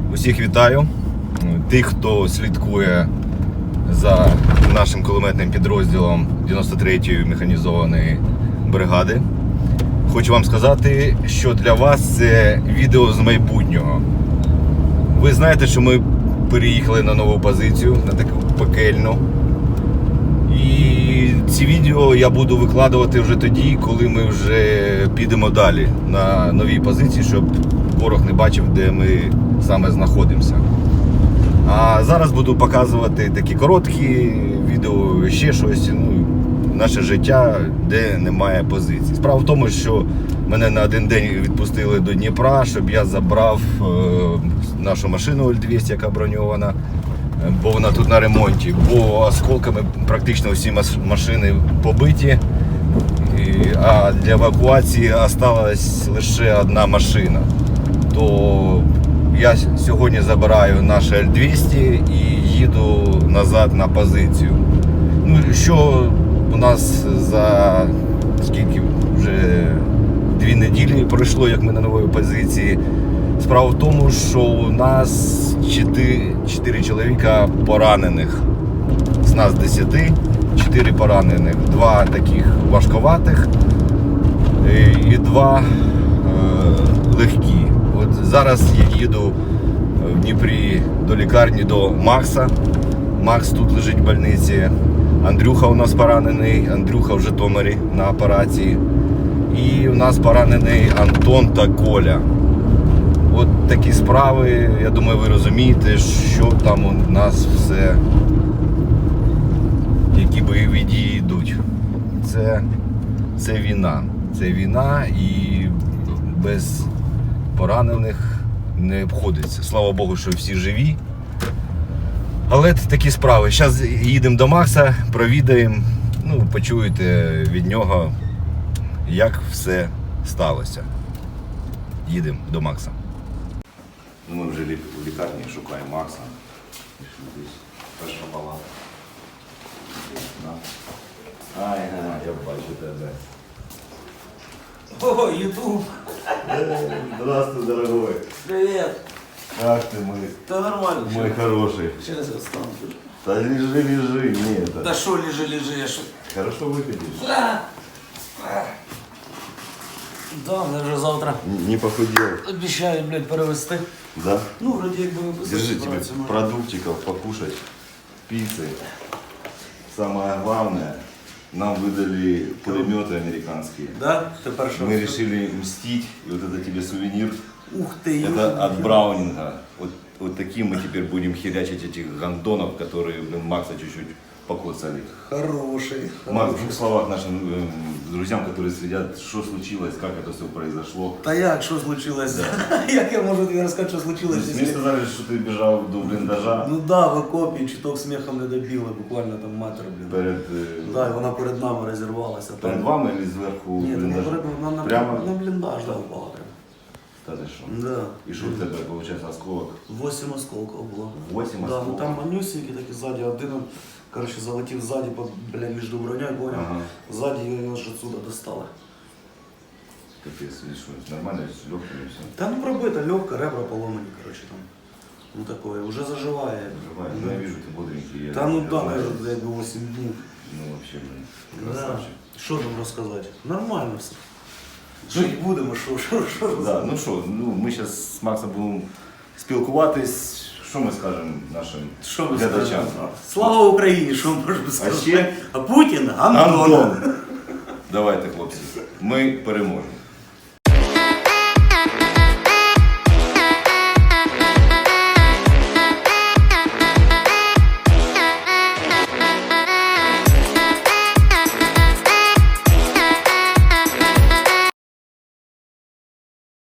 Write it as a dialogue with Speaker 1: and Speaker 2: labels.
Speaker 1: Усіх вітаю. Тих, хто слідкує за нашим кулеметним підрозділом 93-ї механізованої бригади. Хочу вам сказати, що для вас це відео з майбутнього. Ви знаєте, що ми переїхали на нову позицію, на таку пекельну. І ці відео я буду викладувати вже тоді, коли ми вже підемо далі на новій позиції, щоб ворог не бачив, де ми саме знаходимося. А зараз буду показувати такі короткі відео, ще щось, наше життя, де немає позицій. Справа в тому, що мене на один день відпустили до Дніпра, щоб я забрав нашу машину 0200, яка броньована, бо вона тут на ремонті, бо осколками практично всі машини побиті, а для евакуації залишилась лише одна машина. То я сьогодні забираю наше Л-200 і їду назад на позицію. Що у нас за скільки вже 2 неділі пройшло, як ми на новій позиції. Справа в тому, що у нас 4 чоловіка поранених. З нас 10, 4 поранених. 2 таких важковатих і 2 легкі. От зараз я їду в Дніпрі до лікарні, до Макса. Макс тут лежить в больниці. Андрюха у нас поранений, Андрюха в Житомирі на операції. І у нас поранений Антон та Коля. От такі справи, я думаю, ви розумієте, що там у нас все, які бойові дії йдуть. Це війна. Це війна і без поранених не обходиться. Слава Богу, що всі живі. Але такі справи. Зараз їдемо до Макса, провідаємо, почуєте від нього, як все сталося. Їдемо до Макса. Ми вже в лікарні шукаємо Макса. Перша палата. Ай, я бачу тебе.
Speaker 2: О, Ютуб!
Speaker 1: Здравствуй, дорогой.
Speaker 2: Привет!
Speaker 1: Как ты, мой?
Speaker 2: Да нормально.
Speaker 1: Мой хороший.
Speaker 2: Сейчас я встану.
Speaker 1: Да лежи, не это.
Speaker 2: Да шо лежи, я шо...
Speaker 1: Хорошо выглядишь.
Speaker 2: Да, я вже завтра
Speaker 1: Не похудел.
Speaker 2: обіцяю, перевести.
Speaker 1: Да?
Speaker 2: Вроді якби виписати.
Speaker 1: Держи тебе продуктиков покушать, пиццы. Самое главное, нам выдали пулеметы американские.
Speaker 2: Да? Тепер що?
Speaker 1: Мы решили мстить, и вот это тебе сувенир.
Speaker 2: Ух ты,
Speaker 1: Это от Браунинга. Вот таким мы теперь будем херячить этих гондонов, которые Макса чуть-чуть покоцали.
Speaker 2: Хороший.
Speaker 1: Макс, в 2 словах нашим друзьям, которые следят, что случилось, как это все произошло.
Speaker 2: Та як, що случилось? Як я можу тобі розказати, що случилось?
Speaker 1: Мне сказали, что ты бежал до блиндажа.
Speaker 2: Ну да, в окопі, чуток сміхом не добіли, буквально там метр,
Speaker 1: Перед,
Speaker 2: Да, і вона перед нами розірвалася.
Speaker 1: перед вами или зверху
Speaker 2: Ні,
Speaker 1: блиндажа?
Speaker 2: на бліндаж да, впала прям.
Speaker 1: Та ти що?
Speaker 2: Да.
Speaker 1: І що в тебе, виходить, осколок?
Speaker 2: 8 осколків було.
Speaker 1: 8
Speaker 2: Да,
Speaker 1: осколків?
Speaker 2: ну там манюсенький такий ззаді, один, залетів ззаді, між броньою, понял?
Speaker 1: Ага.
Speaker 2: Ззаді його ж отсюда достали.
Speaker 1: Капец, видишь, что нормально, с легкими все.
Speaker 2: Та пробита, легка, ребра поломані, там. Такое, уже заживає.
Speaker 1: Живая. Ну, я вижу, ты бодренький.
Speaker 2: Та
Speaker 1: я
Speaker 2: да,
Speaker 1: знаю.
Speaker 2: якби 8 днів.
Speaker 1: Ну, вообще, блин,
Speaker 2: Да.
Speaker 1: красавчик.
Speaker 2: Що там розказати? Нормально все. Жить будемо, що.
Speaker 1: Да, ну що, ми зараз з Максом будемо спілкуватись. Що ми скажемо нашим
Speaker 2: Що ви
Speaker 1: глядачам?
Speaker 2: скажете? Слава Україні, що можна сказати?
Speaker 1: ще?
Speaker 2: А Путін,
Speaker 1: Антон! Давайте, хлопці, ми переможемо.